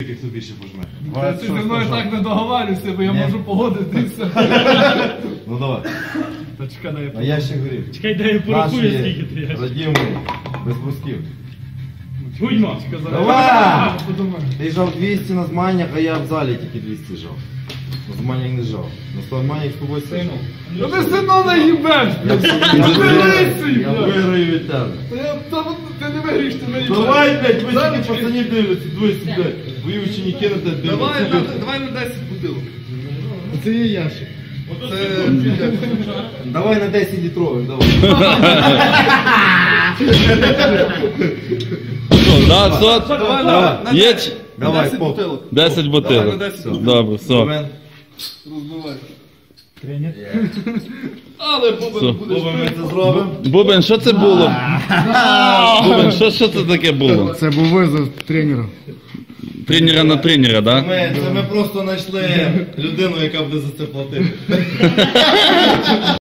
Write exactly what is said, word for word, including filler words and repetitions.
скільки хто більше пожме. Ти зі мною так не договарюйся, бо я можу погодитися. Ну давай. Та чекай, дай я А я ще говорив. Чекай, дай я порахую, скільки ти я. Радімий, без брусків. Гудьмо. Давай! Ти жав двісті на змаганнях, а я в залі тільки двісті жав. На змаганнях не жав. На змаганнях з тобою сижу. Ну ти сино наїбеш! Я виграю від тебе. Ти не виграєш, ти наїбеш. Давай, блядь, ви тільки пацанів дивляться, дивися, блядь. Твої ученики на тебе дивляться. Давай на десять бутилок. Це є ящик. Давай на десять літрових, давай. Да, сот. Давай на Є десять. Давай, десять поп. бутилок. десять Давай на бутилок. десять. Добре, все. Бубен. Розбивай. Тренер. Але Бубен Все. будеш Бубен, ми це зробимо. Бубен, що це було? Бубен, що, що це таке було? Це був визов тренера. Тренера на тренера, да? Ми, це ми просто знайшли людину, яка буде за це платити.